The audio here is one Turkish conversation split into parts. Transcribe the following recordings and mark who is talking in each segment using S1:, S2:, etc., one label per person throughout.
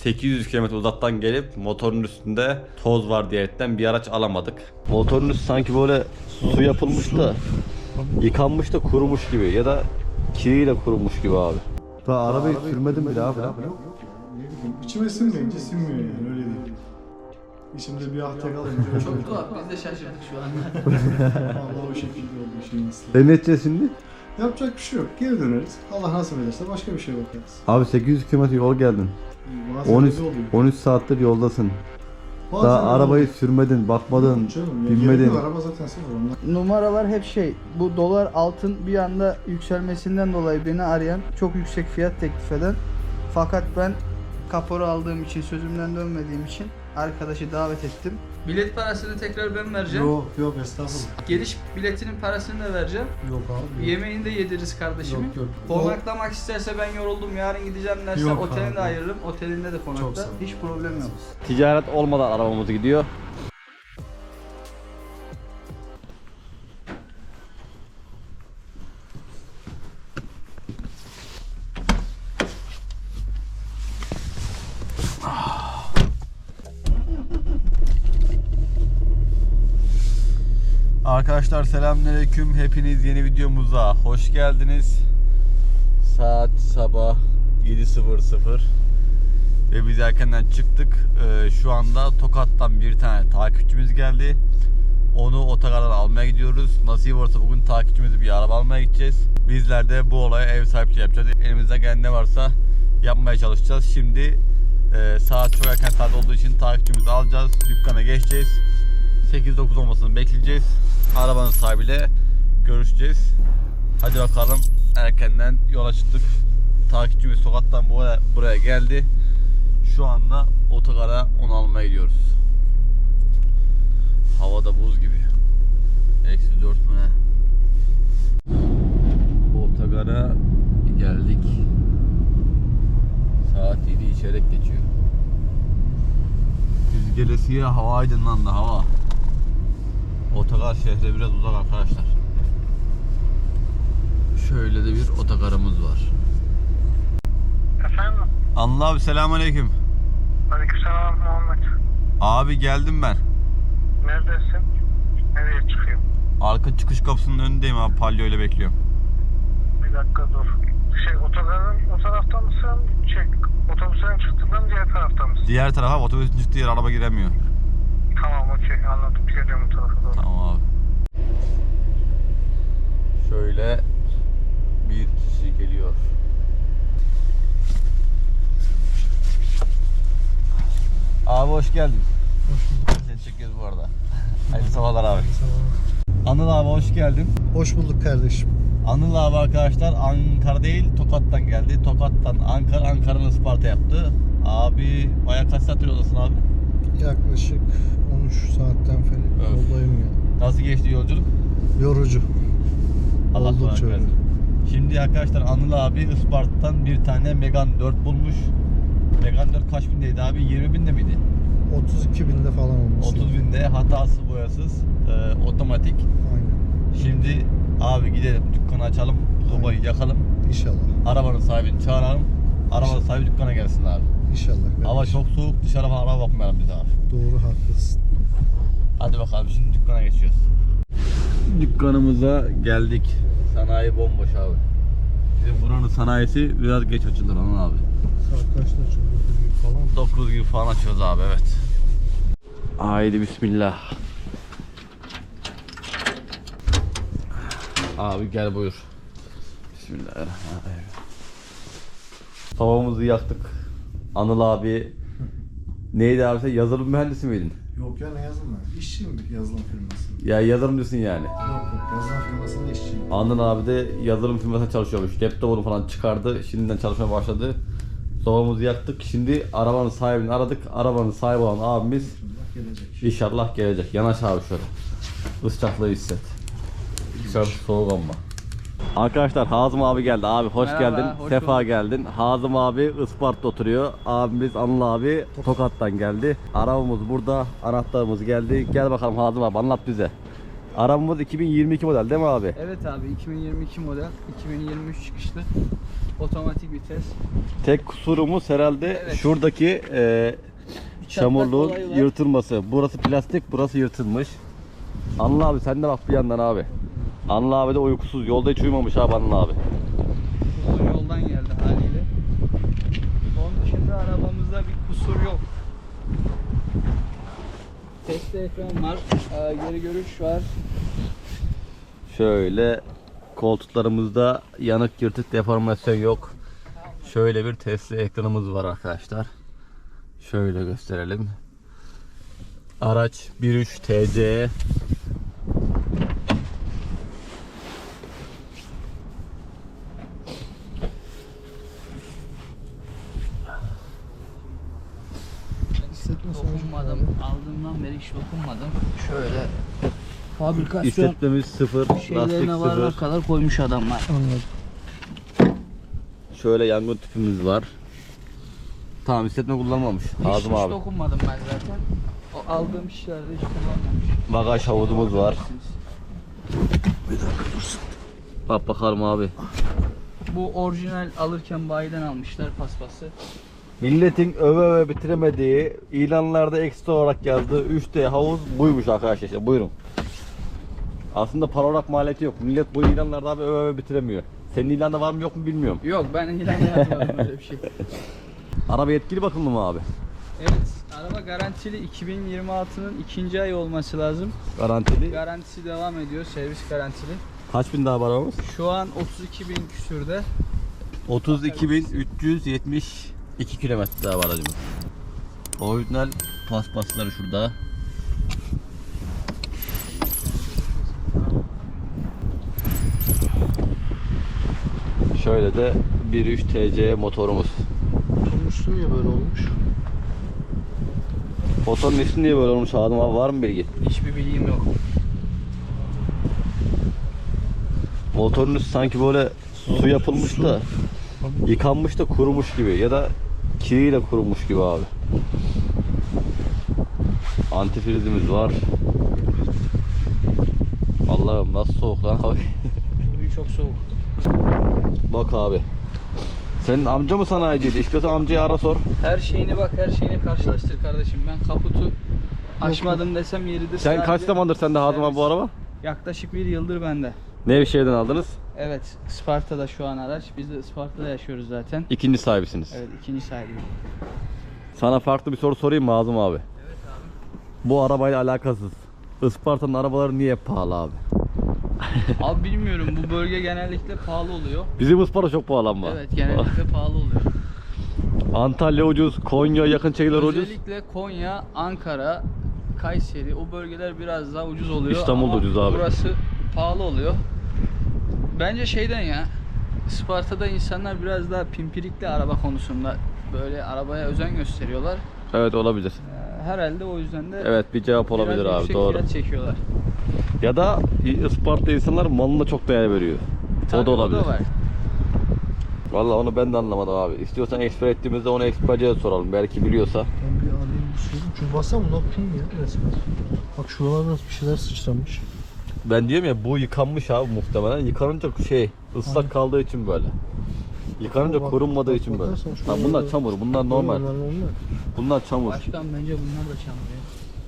S1: 800 km uzaktan gelip motorun üstünde toz var diyerekten bir araç alamadık. Motorun üstü sanki böyle su yapılmış da yıkanmış da kurumuş gibi ya da kiriyle kurumuş gibi abi. Daha arabayı sürmedim bile abi.
S2: Yok. Ne bileyim, içime sinmeyince sinmiyor yani, öyle değil. İçimde bir ahta kalınca öyle.
S3: Çok tuhaf, biz de şaşırdık şu anda.
S2: Allah o şekilde oldu işin aslı.
S1: Ne edeceğiz şimdi?
S2: Yapacak bir şey yok. Geri döneriz. Allah nasip ederse başka bir şey bakarız.
S1: Abi 800 km yol geldin.
S2: Bazen
S1: 13
S2: öyle oluyor.
S1: 13 saattir yoldasın.
S2: Bazen
S1: Daha
S2: öyle
S1: arabayı
S2: oluyor.
S1: sürmedin, bakmadın,
S2: Canım, ya
S1: binmedin.
S2: gerek yok, araba zaten sıfır ondan.
S3: Numaralar hep bu dolar altın bir anda yükselmesinden dolayı beni arayan, çok yüksek fiyat teklif eden, fakat ben kapora aldığım için, sözümden dönmediğim için arkadaşı davet ettim. Bilet parasını tekrar ben vereceğim.
S2: Yok estağfurullah.
S3: Geliş biletinin parasını da vereceğim.
S2: Yok abi.
S3: Yemeğini de yediririz kardeşimi.
S2: Yok.
S3: Konaklamak isterse ben yoruldum yarın gideceğim derse
S2: Yok
S3: otelini
S2: abi.
S3: de ayırırım. Otelinde de
S2: Çok
S3: konakta.
S2: sağ ol.
S3: Hiç problem yok.
S1: Ticaret olmadan arabamız gidiyor. Arkadaşlar selamünaleyküm. Hepiniz yeni videomuza hoş geldiniz. Saat sabah 7:00 ve biz erkenden çıktık. Şu anda Tokat'tan bir tane takipçimiz geldi. Onu otogardan almaya gidiyoruz. Nasip olursa bugün takipçimizi bir araba almaya gideceğiz. Bizler de bu olaya ev sahipliği yapacağız. Elimizden gelen ne varsa yapmaya çalışacağız. Şimdi saat çok erken saat olduğu için takipçimizi alacağız. Dükkana geçeceğiz. 8-9 olmasını bekleyeceğiz. Arabanın sahibiyle görüşeceğiz. Hadi bakalım, erkenden yola çıktık. Takipçimiz sokaktan buraya geldi. Şu anda otogara onu almaya gidiyoruz. Hava da buz gibi. -4 mü ne? Otogara geldik. Saat 7 çeyrek geçiyor. Biz gelesiye hava aydınlandı, hava. Otogar şehre biraz uzak arkadaşlar. Şöyle de bir otogarımız var.
S4: Efendim?
S1: Anıl abi selamünaleyküm.
S4: Aleykümselam Muhammed.
S1: Abi geldim ben.
S4: Neredesin? Nereye çıkıyorsun?
S1: Arka çıkış kapısının önündeyim abi, palyo ile bekliyorum.
S4: Bir dakika dur. Otogarın o tarafta mısın? Otobüslerin çıktığından diğer tarafta mısın?
S1: Diğer tarafa, otobüsün çıktığı yer, araba giremiyor.
S4: Tamam, okey, anladım. Geliyorum o tarafa doğru.
S1: Tamam abi. Şöyle bir kişi geliyor. Abi hoş geldin.
S2: Hoş bulduk.
S1: Seni çekiyoruz bu arada. Hayırlı sabahlar abi. Anıl abi hoş geldin.
S2: Hoş bulduk kardeşim.
S1: Anıl abi arkadaşlar Ankara değil Tokat'tan geldi. Tokat'tan Ankara, Ankara'nın Isparta yaptı. Abi bayağı kaç saattir yoldasın abi?
S2: Yaklaşık 13 saatten falan yoldayım ya.
S1: Nasıl geçti yolculuk?
S2: Yorucu.
S1: Allah
S2: Oldukça
S1: kolaylık versin. Şimdi arkadaşlar Anıl abi Isparta'dan bir tane Megane 4 bulmuş. Megane 4 kaç bindeydi abi? 20 binde miydi?
S2: 32 binde falan olmuş.
S1: 30 binde, hatasız boyasız, otomatik.
S2: Aynen.
S1: Şimdi abi gidelim dükkanı açalım, sobayı yakalım.
S2: İnşallah.
S1: Arabanın sahibini çağıralım. Arabanın sahibi dükkana gelsin abi.
S2: İnşallah kardeşim.
S1: Hava çok soğuk, dışarı falan araba bakmayalım biz abi.
S2: Doğru, haklısın.
S1: Hadi bakalım, şimdi dükkana geçiyoruz. Dükkanımıza geldik. Sanayi bomboş abi. Bizim buranın sanayisi biraz geç açılır Anıl abi.
S2: Saat kaçta açılıyor? 9 gibi falan.
S1: 9 gibi falan açıyoruz abi, evet. Haydi bismillah. Abi gel buyur. Bismillahirrahmanirrahim. Tavamızı yaktık. Anıl abi neydi abi, sen yazılım mühendisi miydin?
S2: Yok ya, ne yazılım ben? İşçiyim bir yazılım firmasında.
S1: Ya yazılımcısın yani.
S2: Yok, yazılım firmasında işçiyim.
S1: Anıl abi de yazılım firmasında çalışıyormuş. Laptopunu falan çıkardı. Şimdiden çalışmaya başladı. Sobamızı yaktık. Şimdi arabanın sahibini aradık. Arabanın sahibi olan abimiz
S2: İnşallah gelecek.
S1: inşallah gelecek. Yanaş abi şöyle. Iscaklığı hisset. Dışarısı soğuk ama. Arkadaşlar Hazım abi geldi. Abi hoş
S3: Merhaba,
S1: geldin.
S3: hoş
S1: Sefa
S3: bulduk.
S1: geldin. Hazım abi Isparta'da oturuyor. Abimiz Anıl abi Tokat'tan geldi. Arabamız burada. Anahtarımız geldi. Gel bakalım Hazım abi, anlat bize. Arabamız 2022 model değil mi abi?
S3: Evet abi, 2022 model, 2023 çıkışlı. Otomatik vites.
S1: Tek kusurumuz herhalde
S3: Evet.
S1: şuradaki çamurluğun
S3: olayı var.
S1: yırtılması. Burası plastik, burası yırtılmış. Anıl abi sen de bak bir yandan abi. Anıl abi de uykusuz. Yolda hiç uyumamış abi Anıl abi.
S3: Uzun yoldan geldi haliyle. Onun dışında arabamızda bir kusur yok. Test ekran var, geri görüş var.
S1: Şöyle koltuklarımızda yanık, yırtık, deformasyon yok. Şöyle bir Tesla ekranımız var arkadaşlar. Şöyle gösterelim. Araç 1.3 TC.
S3: Dokunmadım. Aldığımdan beri hiç dokunmadım. Şöyle fabrikasyon
S1: İstetmemiz sıfır, lastik
S3: şeylerine varana
S1: sıfır.
S3: kadar koymuş adamlar.
S1: Şöyle yangın tüpümüz var. Tamam, istetme kullanmamış. Ağzım
S3: Hiç
S1: abi.
S3: dokunmadım ben zaten. O aldığım işlerde hiç kullanmamış.
S1: Bagaj havuzumuz var. Bak bakalım abi.
S3: Bu orijinal alırken bayiden almışlar paspası.
S1: Milletin öve öve bitiremediği, ilanlarda ekstra olarak yazdığı 3D havuz buymuş arkadaşlar. İşte buyurun. Aslında para olarak maliyeti yok. Millet bu ilanlarda abi öve öve bitiremiyor. Senin ilanda var mı yok mu bilmiyorum.
S3: Yok, ben ilanla yazmadım öyle bir şey.
S1: Araba yetkili bakımlı mı abi?
S3: Evet, araba garantili, 2026'nın 2. ayı olması lazım.
S1: Garantili.
S3: Garantisi devam ediyor, servis garantili.
S1: Kaç bin daha var arabamız?
S3: Şu an 32.000 küsürde.
S1: 32.372 kilometre daha var aracımız. Orijinal paspasları şurada. Şöyle de 1.3 TC motorumuz.
S2: Oturmuşsun ya böyle olmuş.
S1: Motorun ismi niye böyle olmuş Adem abi, var mı bilgi?
S3: Hiçbir bilgim yok.
S1: Motorun üstü sanki böyle su yapılmış da yıkanmış da kurumuş gibi ya da kiriyle kurumuş gibi abi. Antifrizimiz var. Allah'ım nasıl soğuk lan abi.
S3: Bugün çok soğuk.
S1: Bak abi. Senin amca mı sanayiciydi? İstiyorsan amcayı ara sor.
S3: Her şeyini bak, her şeyini karşılaştır kardeşim. Ben kaputu açmadım desem yeridir.
S1: Sen kaç
S3: Sadece
S1: zamandır sende Hazım abi bu araba?
S3: yaklaşık 1 yıldır bende.
S1: Nevşehir'den aldınız.
S3: Evet, Isparta'da şu an araç. Biz de Isparta'da yaşıyoruz zaten.
S1: İkinci sahibisiniz.
S3: Evet, ikinci sahibiyim.
S1: Sana farklı bir soru sorayım mı Hazım abi? Bu arabayla alakasız. Isparta'nın arabaları niye pahalı abi?
S3: Abi bilmiyorum, bu bölge genellikle pahalı oluyor.
S1: Bizim Isparta çok pahalı ama.
S3: Evet, genellikle pahalı oluyor.
S1: Antalya ucuz, Konya yakın çekiler ucuz.
S3: Özellikle Konya, Ankara, Kayseri, o bölgeler biraz daha ucuz oluyor.
S1: İstanbul da
S3: ama
S1: ucuz abi.
S3: burası pahalı oluyor. Bence şeyden ya, Isparta'da insanlar biraz daha pimpirikli araba konusunda, böyle arabaya özen gösteriyorlar.
S1: Evet, olabilir.
S3: Herhalde o yüzden de
S1: Evet, bir cevap olabilir
S3: biraz
S1: abi,
S3: yüksek
S1: doğru.
S3: fiyat çekiyorlar.
S1: Ya da Isparta insanlar malına çok değer veriyor.
S3: Tabii,
S1: o da olabilir.
S3: O da var.
S1: Vallahi onu ben de anlamadım abi. İstiyorsan eksper ettiğimizde onu eksperciye soralım. Belki biliyorsa.
S2: Ben bir alayım bir şey. Çünkü baksana bu pin ya resmen. Bak şuralarda bir şeyler sıçramış.
S1: Ben diyorum ya, bu yıkanmış abi muhtemelen. Yıkanınca ıslak kaldığı için böyle. Yıkanınca
S2: Bak,
S1: kurunmadığı
S2: bak,
S1: için böyle.
S2: bakarsan
S1: Ha, bunlar
S2: şuralarda-
S1: çamur, bunlar normal.
S2: Bunlar normal.
S1: Bunlar çamur.
S3: Başkan bence bunlar da çamur ya.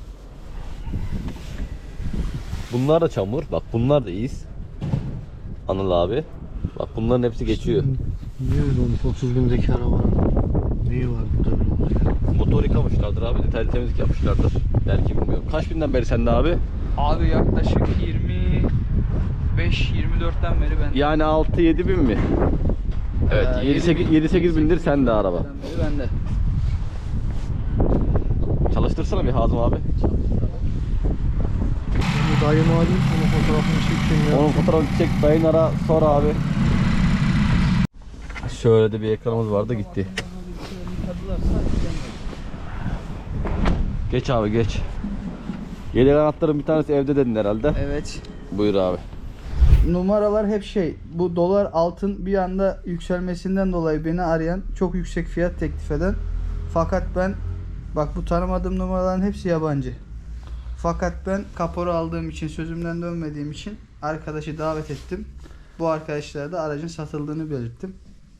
S1: Bunlar da çamur. Bak bunlar da iz. Anıl abi. Bak bunların hepsi geçiyor.
S2: Niye öyle olmuş 30 bindeki arabanın? Neyi var burada öyle oluyor?
S1: Motor yıkamışlardır abi. Detaylı temizlik yapmışlardır. Belki bilmiyorum. Kaç binden beri sende abi?
S3: Abi yaklaşık 25-24'ten beri ben.
S1: Yani 6-7 bin mi? Evet, 7-8 bindir sende araba.
S3: Beri bende.
S1: Çalıştırsana bir Hazım abi.
S2: Bu dayımı alayım, onun fotoğrafını çekeyim ya.
S1: Onun fotoğrafını çek, dayın ara, sor abi. Şöyle de bir ekranımız vardı, gitti. Geç abi geç. Yedek anahtarın bir tanesi evde dedin herhalde.
S3: Evet.
S1: Buyur abi.
S3: Numaralar hep şey, bu dolar altın bir anda yükselmesinden dolayı beni arayan, çok yüksek fiyat teklif eden. Fakat ben, bak bu tanımadığım numaraların hepsi yabancı. Fakat ben kapora aldığım için, sözümden dönmediğim için arkadaşı davet ettim. Bu arkadaşlara da aracın satıldığını belirttim.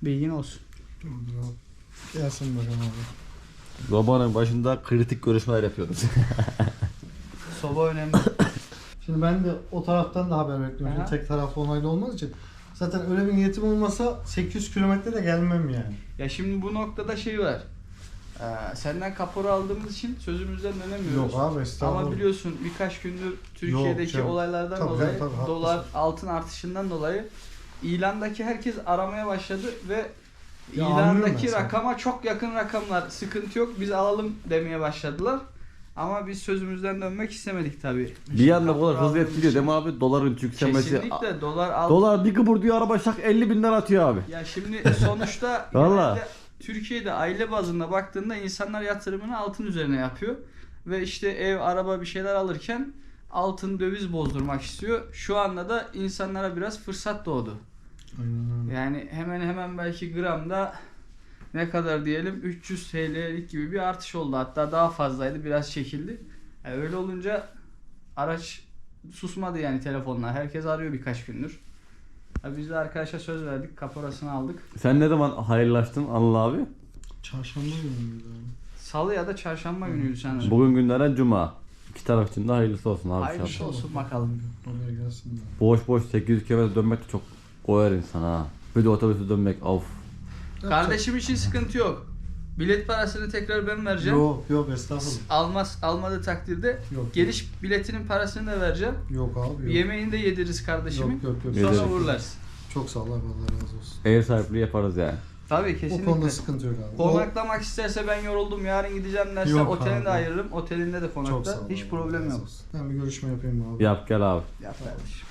S3: Bilgin olsun.
S2: Dur abi. Gelsin bakalım abi.
S1: Babanın başında kritik görüşmeler yapıyoruz.
S3: Soba önemli.
S2: Şimdi ben de o taraftan da haber bekliyorum.
S3: Aha.
S2: Tek taraflı onaylı olmaz için. Zaten öyle bir niyetim olmasa 800 kilometre de gelmem yani.
S3: Ya şimdi bu noktada şey var. Senden kapora aldığımız için sözümüzden dönemiyoruz.
S2: Yok abi, estağfurullah.
S3: Ama biliyorsun birkaç gündür Türkiye'deki
S2: canım.
S3: olaylardan
S2: Tabii
S3: dolayı,
S2: canım, tabii,
S3: dolar
S2: haklısın.
S3: altın artışından dolayı ilandaki herkes aramaya başladı ve
S2: Ya anlıyorum
S3: ilandaki
S2: ben seni.
S3: rakama çok yakın rakamlar, sıkıntı yok biz alalım demeye başladılar. Ama biz sözümüzden dönmek istemedik tabii.
S1: Bir yanda bu kadar
S3: Kapora
S1: hızlı
S3: aldığımız
S1: etkiliyor
S3: için.
S1: değil mi abi? Doların yükselmesi.
S3: Kesinlikle dolar altın.
S1: Dolar bir kıpır diyor, araba şak 50 binden atıyor abi.
S3: Ya şimdi sonuçta
S1: Vallahi.
S3: genelde Türkiye'de aile bazında baktığında insanlar yatırımını altın üzerine yapıyor. Ve işte ev, araba bir şeyler alırken altın, döviz bozdurmak istiyor. Şu anda da insanlara biraz fırsat doğdu.
S2: Aynen öyle.
S3: Yani hemen belki gramda ne kadar diyelim 300 TL'lik gibi bir artış oldu. Hatta daha fazlaydı, biraz çekildi. Öyle olunca araç susmadı yani telefonlar. Herkes arıyor birkaç gündür. Biz de arkadaşa söz verdik, kaporasını aldık.
S1: Sen ne zaman hayırlaştın Anıl abi?
S2: Çarşamba günüydü abi.
S3: Salı ya da çarşamba günüydü sanırım.
S1: Bugün günlerden cuma. İki taraf için de hayırlısı olsun abi.
S3: Hayırlısı
S1: inşallah.
S3: olsun bakalım.
S2: Oraya gelsin de.
S1: Boş boş 800 km dönmek de çok koyar insan ha. Bir de otobüse dönmek of.
S3: Kardeşim için sıkıntı yok. Bilet parasını tekrar ben vereceğim.
S2: Yok estağfurullah.
S3: Almadığı takdirde
S2: Yok.
S3: geliş biletinin parasını da vereceğim.
S2: Yok abi yok.
S3: Yemeğini de yediririz kardeşimin.
S2: Yok.
S3: Sonra
S1: Yediriz.
S3: uğurlarız.
S2: Çok sağ ol abi, Allah razı olsun.
S1: Ev sahipliği yaparız yani.
S3: Tabii
S2: O
S3: kesinlikle.
S2: konuda sıkıntı yok abi.
S3: Konaklamak isterse ben yoruldum yarın gideceğim derse
S2: Yok
S3: otelini
S2: abi.
S3: de ayırırım. Otelinde de
S2: Çok
S3: konakta.
S2: sağ ol.
S3: Hiç
S2: abi,
S3: problem
S2: Allah razı
S3: yok.
S2: olsun. Ben bir görüşme yapayım abi.
S1: Yap gel abi.
S3: Yap kardeşim.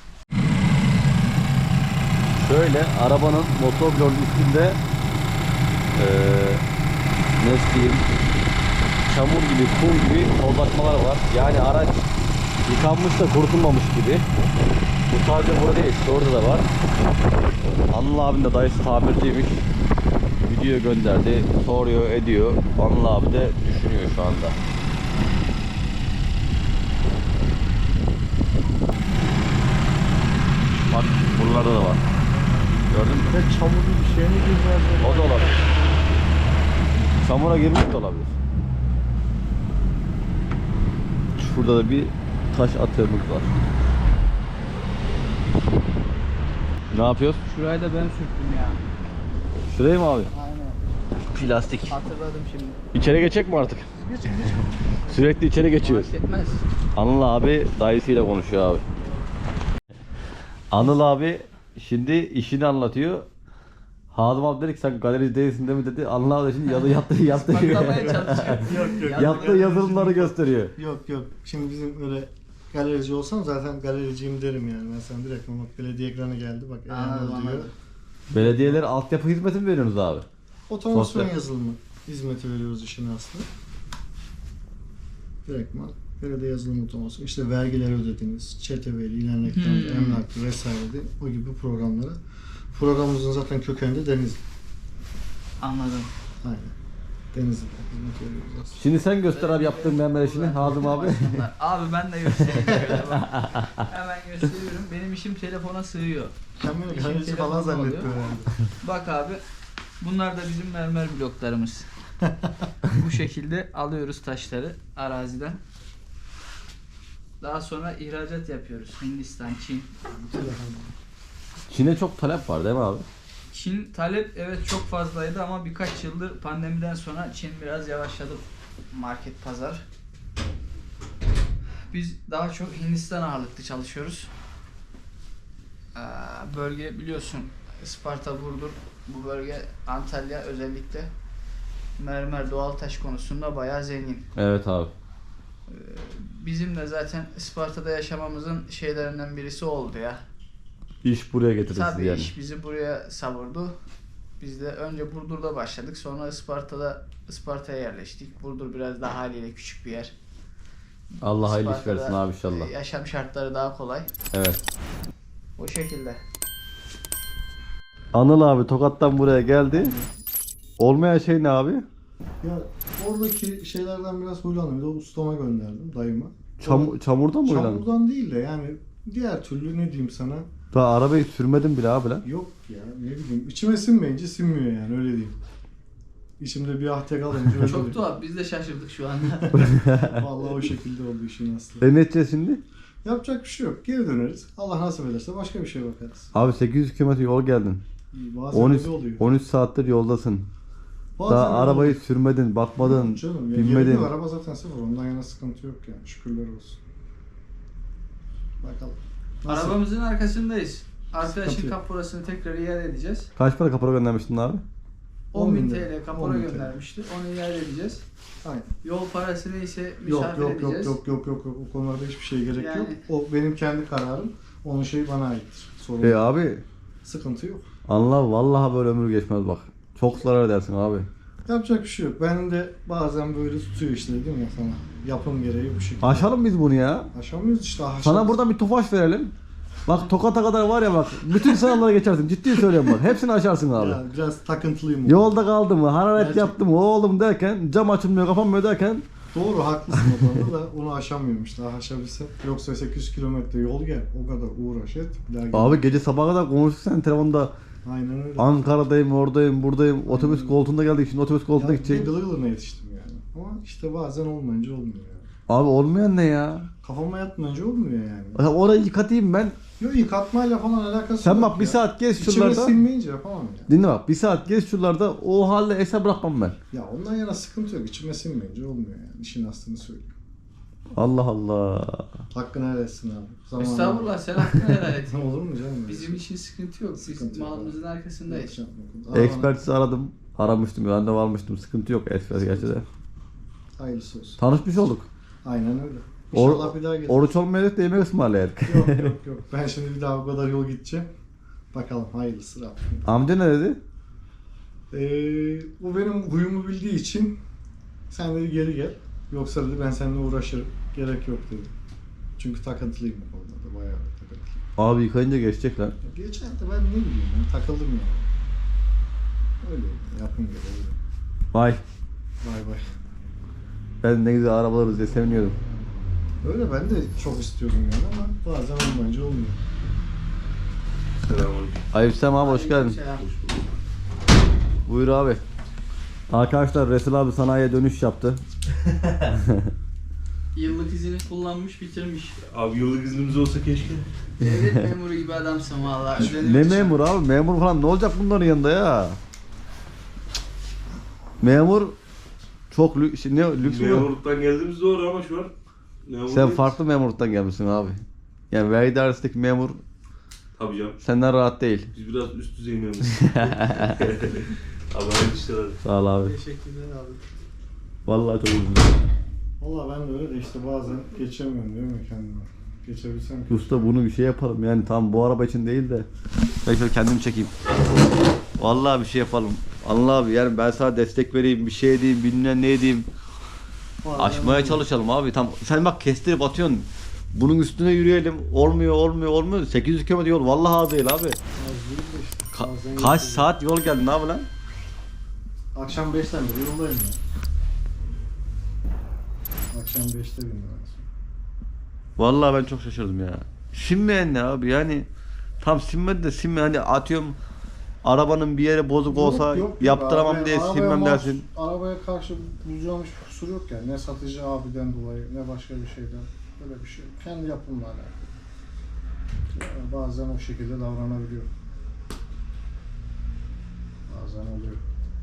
S1: Şöyle arabanın motor bloğunun üstünde ne diyeyim, çamur gibi, kum gibi tozlatmalar var. Yani araç yıkanmış da kurutulmamış gibi. Bu sadece burada değil, işte orada da var. Anıl abinin de dayısı tamirciymiş. Video gönderdi, soruyor, ediyor. Anıl abi de düşünüyor şu anda. Bak buralarda da var. Gördün mü?
S2: Ne çamurlu bir şey mi girdi?
S1: O da olabilir. Çamura girmiş de olabilir. Şurada da bir taş atığımız var. Ne yapıyoruz?
S3: Şurayı da ben sürttüm ya.
S1: Şurayı mı abi?
S3: Aynen.
S1: Plastik.
S3: Hatırladım şimdi.
S1: İçeri geçecek mi artık? Sürekli içeri geçiyoruz.
S3: Fark etmez.
S1: Anıl abi dayısıyla konuşuyor abi. Anıl abi şimdi işini anlatıyor. Hazım abi dedi ki sen galerici değilsin değil mi dedi. Anıl abi de şimdi yaptığı
S3: Patlamaya çalışıyor.
S2: Yok.
S1: yaptığı yazılımları gösteriyor.
S2: Yok. Şimdi bizim öyle galerici olsam zaten galericiyim derim yani. Ben sana direkt bak belediye ekranı geldi bak.
S3: Anladım,
S2: diyor.
S3: anladım.
S1: Belediyelere altyapı hizmeti mi veriyorsunuz abi?
S2: Otomasyon
S1: Sosyal.
S2: yazılımı hizmeti veriyoruz işin aslında. Direktman belediye yazılım otomasyon. İşte vergileri ödediniz, çeteveli, ilan ekranı, emlaklı vesaire de o gibi programlara. Programımızın zaten kökeninde Denizli.
S3: Anladım.
S2: Aynen. Denizli'de hizmet veriyoruz aslında.
S1: Şimdi sen göster abi yaptığın mermer işini Hazım abi.
S3: Abi ben de göstereyim şöyle bak. Hemen gösteriyorum. Benim işim telefona sığıyor.
S2: Kendini
S3: İşin
S2: galerici falan
S3: telefonu
S2: zannetti
S3: oluyor.
S2: herhalde.
S3: Bak abi. Bunlar da bizim mermer bloklarımız. Bu şekilde alıyoruz taşları araziden. Daha sonra ihracat yapıyoruz. Hindistan, Çin.
S1: Çin'e çok talep var değil mi abi?
S3: Çin talep evet çok fazlaydı ama birkaç yıldır pandemiden sonra Çin biraz yavaşladı market pazar. Biz daha çok Hindistan ağırlıklı çalışıyoruz. Bölge biliyorsun Isparta, Burdur bu bölge Antalya özellikle mermer doğal taş konusunda bayağı zengin.
S1: Evet abi.
S3: Bizim de zaten Isparta'da yaşamamızın şeylerinden birisi oldu ya.
S1: İş buraya getirirsin
S3: Tabii
S1: yani.
S3: iş bizi buraya savurdu. Biz de önce Burdur'da başladık. Sonra Isparta'ya yerleştik. Burdur biraz daha haliyle küçük bir yer.
S1: Allah hayırlı iş
S3: Isparta'da,
S1: versin abi inşallah.
S3: Yaşam şartları daha kolay.
S1: Evet.
S3: O şekilde.
S1: Anıl abi Tokat'tan buraya geldi. Olmayan şey ne abi?
S2: Ya oradaki şeylerden biraz huylandım. Bir de ustama gönderdim dayıma.
S1: Çamurdan mı oynadın?
S2: Çamurdan değil de yani diğer türlü ne diyeyim sana
S1: Daha arabayı sürmedim bile abi lan.
S2: Yok ya ne bileyim. İçime sinmeyince sinmiyor yani öyle diyeyim. İçimde bir ahde kalınca öyle
S3: Çok
S2: oluyor.
S3: tuhaf. Biz de şaşırdık şu anda.
S2: Vallahi o şekilde oldu işin aslı.
S1: Ne edeceğiz şimdi?
S2: Yapacak bir şey yok. Geri döneriz. Allah nasip ederse başka bir şeye bakarız.
S1: Abi 800 km yol geldin.
S2: Bazen
S1: 13
S2: öyle oluyor.
S1: 13 saattir yoldasın.
S2: Bazen
S1: Daha
S2: öyle
S1: arabayı
S2: oluyor.
S1: sürmedin, bakmadın,
S2: Canım ya
S1: binmedin.
S2: geliyor, araba zaten sıfır. Ondan yana sıkıntı yok yani. Şükürler olsun. Bakalım. Nasıl?
S3: Arabamızın arkasındayız.
S2: Sıkıntı
S3: Arkadaşın
S2: yok.
S3: kaporasını tekrar iade edeceğiz.
S1: Kaç para kapora göndermiştin abi?
S3: 10.000
S2: lira.
S3: TL kapora
S2: 10.000 TL.
S3: göndermişti. Onu iade edeceğiz.
S2: Aynen.
S3: Yol parasını ise
S2: Yok
S3: misafir
S2: yok yok
S3: edeceğiz.
S2: yok. O konularda hiçbir şeye gerek
S3: Yani-
S2: yok. O benim kendi kararım. Onun şeyi bana aittir. Sorun yok.
S1: Abi
S2: Sıkıntı yok.
S1: Allah vallahi böyle ömür geçmez bak. Çok zarar edersin abi.
S2: Yapacak bir şey yok. Ben de bazen böyle tutuyor işte dedim ya sana. Yapım gereği bu şekilde.
S1: Aşalım biz bunu ya.
S2: Aşamıyoruz işte. Aşamıyoruz.
S1: Sana buradan bir tofaş verelim. Bak Tokat'a kadar var ya bak. Bütün sınavlara geçersin. Ciddi söylüyorum bak. Hepsini aşarsın abi.
S2: Ya, biraz takıntılıyım.
S1: Yolda kaldı mı, hararet
S2: Gerçekten.
S1: yaptı mı, oğlum derken, cam açılmıyor, kapanmıyor derken
S2: Doğru haklısın o konuda da onu aşamıyorum işte aşabilsem. Yoksa 800 kilometre yol gel o kadar uğraş et. Bir daha gel.
S1: abi gece sabaha kadar konuştuk sen telefonda.
S2: Aynen öyle.
S1: Ankara'dayım, oradayım, buradayım. Otobüs koltuğunda geldik. Şimdi otobüs koltuğuna
S2: Ya,
S1: gidecek.
S2: gılı gılına yetiştim yani. Ama işte bazen olmayınca olmuyor yani.
S1: Abi olmayan ne ya?
S2: Kafama yatmayınca olmuyor yani.
S1: Orayı yıkatayım ben.
S2: Yok yıkatmayla falan alakası
S1: Sen
S2: yok
S1: bak bir
S2: ya.
S1: saat gez
S2: İçime
S1: şuralarda.
S2: sinmeyince yapamam ya.
S1: Dinle bak bir saat gez şuralarda o halde eser bırakmam ben.
S2: Ya ondan yana sıkıntı yok. İçime sinmeyince olmuyor yani. İşin aslını söyleyeyim.
S1: Allah Allah.
S2: Hakkını helal etsin abi. Zamanında-
S3: Estağfurullah sen hakkını helal et.
S2: Olur mu canım?
S3: Bizim için sıkıntı yok. Biz
S2: Sıkıntı yok.
S3: malımızın arkasındayız.
S1: Ekspertizi aradım. Aramıştım, randevu almıştım. Sıkıntı yok ekspert gerçi de.
S2: Hayırlısı olsun.
S1: Tanışmış olduk.
S2: Aynen öyle. İnşallah bir daha geliriz.
S1: Oruç olmayacak da yemek ısmarlayadık.
S2: Yok. Ben şimdi bir daha o kadar yol gideceğim. Bakalım hayırlısı Rabbim.
S1: Amca ne dedi?
S2: Bu benim huyumu bildiği için sen dedi geri gel. Yoksa dedi ben seninle uğraşırım. Gerek yok dedi. Çünkü takıntılıyım bu konuda da. Bayağı takıntılıyım.
S1: Abi yıkayınca geçecek lan.
S2: Ya geçen de ben ne bileyim ben takıldım yani. Öyle yapım gibi öyle.
S1: Vay.
S2: Bay bay.
S1: Ben ne güzel arabalarız diye seviniyordum.
S2: Öyle ben de çok istiyordum yani ama bazen olmayınca olmuyor.
S1: Aleykümselam abi hoş geldin.
S3: Aleykümselam.
S1: Buyur abi. Arkadaşlar Resul abi sanayiye dönüş yaptı.
S3: Yıllık izini kullanmış bitirmiş.
S5: Abi yıllık iznimiz olsa keşke.
S3: Devlet memuru gibi adamsın valla.
S1: Ne memur abi? Memur falan ne olacak bunların yanında ya? Memur çok lüks mü?
S5: Memurluktan geldiğimiz doğru ama şu an memur
S1: Sen
S5: değiliz.
S1: farklı memurluktan gelmişsin abi. Yani vergi dairesindeki memur
S5: Tabii canım.
S1: senden rahat değil.
S5: Biz biraz üst düzey memuruz. Abi hayırlı işler hadi.
S1: Sağ ol abi.
S3: Teşekkürler abi.
S1: Vallahi çok üzüldüm.
S2: Valla ben de öyle de işte bazen geçemiyorum değil mi kendime? Geçebilsem ki.
S1: Usta bunu bir şey yapalım yani tam bu araba için değil de. Ben şöyle kendimi çekeyim. Vallahi bir şey yapalım. Allah abi yani ben sana destek vereyim, bir şey edeyim, bilmem ne edeyim. Aşmaya çalışalım abi. Tam sen bak kestirip atıyorsun. Bunun üstüne yürüyelim. Olmuyor. 800 km yol vallahi az değil abi.
S2: Az değil de işte. Bazen
S1: Kaç
S2: geçiyor.
S1: saat yol geldin abi lan?
S2: Akşam 5'ten beri yoldayım ya. Akşam 5'te bindim ben sonra.
S1: Vallahi ben çok şaşırdım ya. Sinmeyen ne abi yani tam sinmedi de hani atıyorum arabanın bir yere bozuk olsa yaptıramam
S2: abi.
S1: diye
S2: Arabaya
S1: sinmem
S2: mahsus-
S1: dersin.
S2: Arabaya karşı bulacağım hiçbir kusur yok yani. Ne satıcı abiden dolayı ne başka bir şeyden. Böyle bir şey yok. Kendi yapımla alakalı. Yani bazen o şekilde davranabiliyor. Bazen oluyor.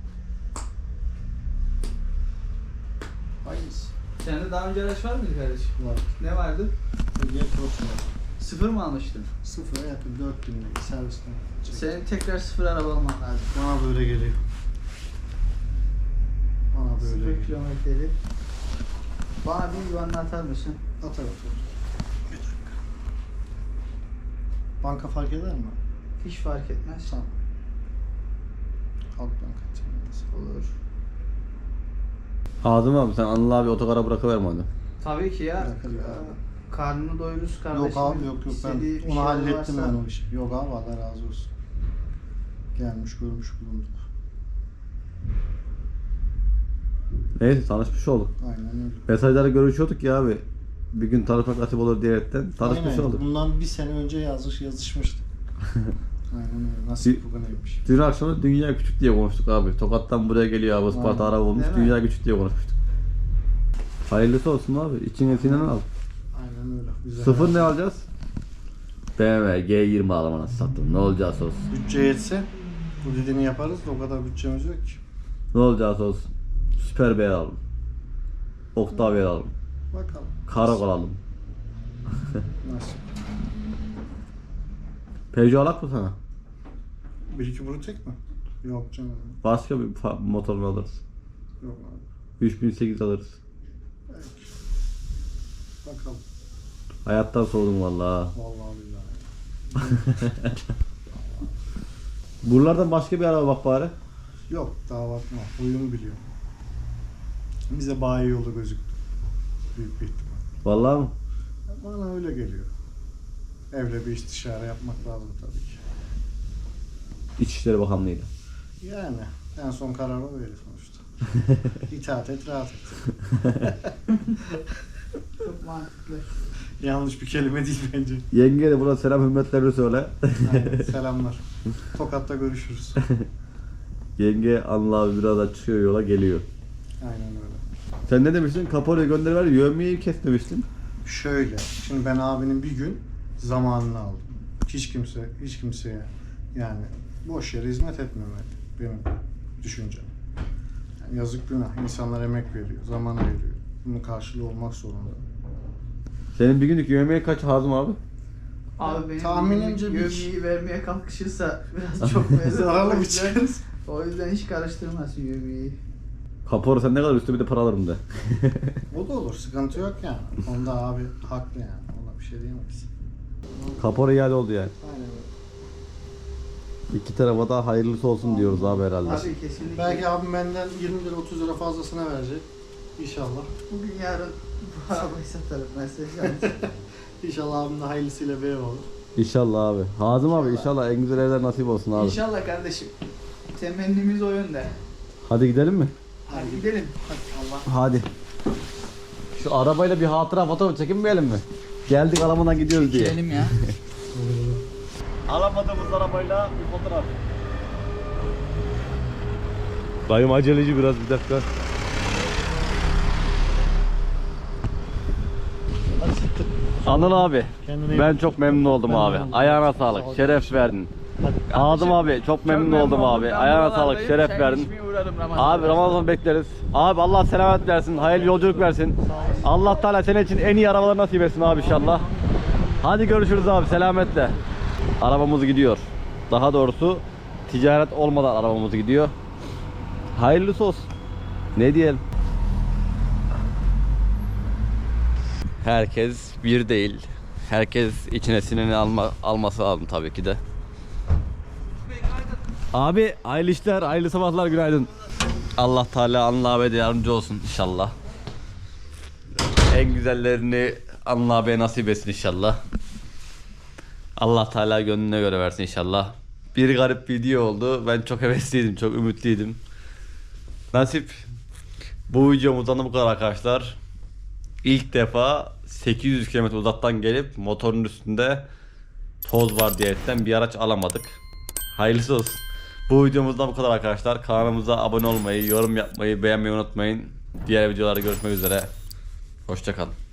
S3: Hayırlısı. Sende daha önce araç var mıydı kardeşim?
S2: Var.
S3: Ne vardı?
S2: Ege Cross var.
S3: Sıfır mı almıştın?
S2: Sıfıra yakın 4000 lira servisten.
S3: Senin tekrar sıfır araba alman lazım.
S2: Bana böyle geliyor. Bana böyle
S3: Sıfır
S2: geliyor.
S3: kilometreli. Bana bir güvenle atar mısın?
S2: Atar. Bir dakika. Banka fark eder mi?
S3: Hiç fark etmez.
S2: Tamam. Halk Banka çevirmesi.
S3: Olur.
S1: Azım abi sen Anıl abi otogara bırakıverme hadi.
S3: Tabii ki ya.
S2: Bırakır ya.
S3: Karnını doyururuz kardeşim.
S2: Yok abi yok ben
S3: İstediği bir
S2: onu
S3: şey
S2: hallettim
S3: varsa-
S2: ben o işi. Yok abi Allah razı olsun. Gelmiş görmüş bulunduk.
S1: Neyse tanışmış olduk.
S2: Aynen öyle.
S1: Mesajlarda görüşüyorduk ya abi. Bir gün tanışmak nasip olur diyerekten tanışmış
S2: Aynen.
S1: olduk.
S2: Bundan bir sene önce yazışmıştık. Aynen öyle. Nasip bu neymiş.
S1: Dün akşam dünya küçük diye konuştuk abi. Tokat'tan buraya geliyor abi. Isparta
S2: Aynen.
S1: araba olmuş.
S3: Değil mi?
S1: Dünya küçük diye konuşmuştuk. Hayırlısı olsun abi. İçine sinen al.
S2: Aynen öyle. Güzel.
S1: Sıfır ne alacağız? BMW G20 alamana sattım. Ne olacağız olsun.
S2: Bütçe yetse bu dediğini yaparız da o kadar bütçemiz yok ki.
S1: Ne olacağız olsun. Süper B alalım. Octavia alalım.
S2: Bakalım.
S1: Karak alalım.
S2: Nasip.
S1: Peugeot alak mı sana?
S2: 1-2 Brutek mi? Yok canım.
S1: Başka bir motorunu alırız.
S2: Yok abi.
S1: 3008 alırız.
S2: Belki. Bakalım.
S1: Hayattan soğudum vallahi.
S2: Vallahi billahi.
S1: Buralardan başka bir araba bak bari.
S2: Yok daha bakma. Oyunu biliyor. Bize bayi yolu gözüktü. Büyük bir ihtimal.
S1: Vallahi mı?
S2: Bana öyle geliyor. Evle bir istişare yapmak lazım tabii ki.
S1: İçişleri Bakanlığı'yla.
S2: Yani en son karar o verir sonuçta. İtaat et, rahat et.
S3: Çok mantıklı.
S2: Yanlış bir kelime değil bence.
S1: Yenge de burada selam hürmetlerini söyle.
S2: Aynen, selamlar. Tokat'ta görüşürüz.
S1: Yenge Anıl abi birazdan çıkıyor yola geliyor.
S2: Aynen öyle.
S1: Sen ne demiştin? Kaporayı gönderiver, yövmeyi kes demiştin.
S2: Şöyle, şimdi ben abinin bir gün zamanını aldım. Hiç kimseye yani boş yere hizmet etmemeli benim düşüncem. Yani yazık günah. İnsanlar emek veriyor, zaman veriyor. Bunun karşılığı olmak zorunda.
S1: Senin bir günlük yövmeye kaç Hazım abi?
S3: Abi benim
S2: tahminimce bir-
S3: yövmeyi vermeye kalkışırsa biraz çok mezar.
S2: Zararlı
S3: O
S2: bir
S3: yüzden-
S2: çıkınız.
S3: O yüzden hiç karıştırmasın yövmeyi.
S1: Kapora sen ne kadar üstü bir de para alırım de.
S2: O da olur, sıkıntı yok yani. Onda abi haklı yani. Ona bir şey diyemeyiz.
S1: Kapora iade oldu yani.
S2: Aynen öyle.
S1: İki tarafa da hayırlısı olsun diyoruz abi herhalde.
S3: Abi kesinlikle.
S2: Belki abim benden 20 lira 30 lira fazlasına verecek. İnşallah.
S3: Bugün yarın bu arabayı satarım ben size şans.
S2: İnşallah abim de hayırlısıyla bir ev olur.
S1: İnşallah abi. Hazım abi inşallah en güzel evler nasip olsun abi.
S3: İnşallah kardeşim. Temennimiz o yönde.
S1: Hadi gidelim mi?
S3: Hadi gidelim. Hadi Allah.
S1: Hadi. Şu arabayla bir hatıra fotoğraf çekinmeyelim mi? Geldik Alaman'a gidiyoruz diye.
S3: Gidelim ya.
S1: Alamadığımız arabayla bir fotoğraf. Dayım aceleci biraz bir dakika. Anıl abi, ben çok memnun oldum abi. Ayağına sağlık, şeref verdin. Hazım abi, çok memnun oldum abi. Ayağına sağlık, şeref verdin. Abi Ramazan bekleriz. Abi Allah selamet versin, hayırlı yolculuk versin. Allah Teala senin için en iyi arabalar nasip etsin abi inşallah. Hadi görüşürüz abi, selametle. Arabamız gidiyor. Daha doğrusu ticaret olmadan arabamız gidiyor. Hayırlısı olsun. Ne diyelim? Herkes bir değil. Herkes içine sineni alması lazım tabii ki de. Abi hayırlı işler, hayırlı sabahlar, günaydın. Allah Teala Anıl abiye de yardımcı olsun inşallah. En güzellerini Anıl abiye nasip etsin inşallah. Allah Teala gönlüne göre versin inşallah. Bir garip video oldu. Ben çok hevesliydim, çok ümitliydim. Nasip. Bu videomuzdan da bu kadar arkadaşlar. İlk defa 800 km uzaktan gelip motorun üstünde toz var diyerekten bir araç alamadık. Hayırlısı olsun. Bu videomuzdan bu kadar arkadaşlar. Kanalımıza abone olmayı, yorum yapmayı, beğenmeyi unutmayın. Diğer videolarda görüşmek üzere. Hoşça kalın.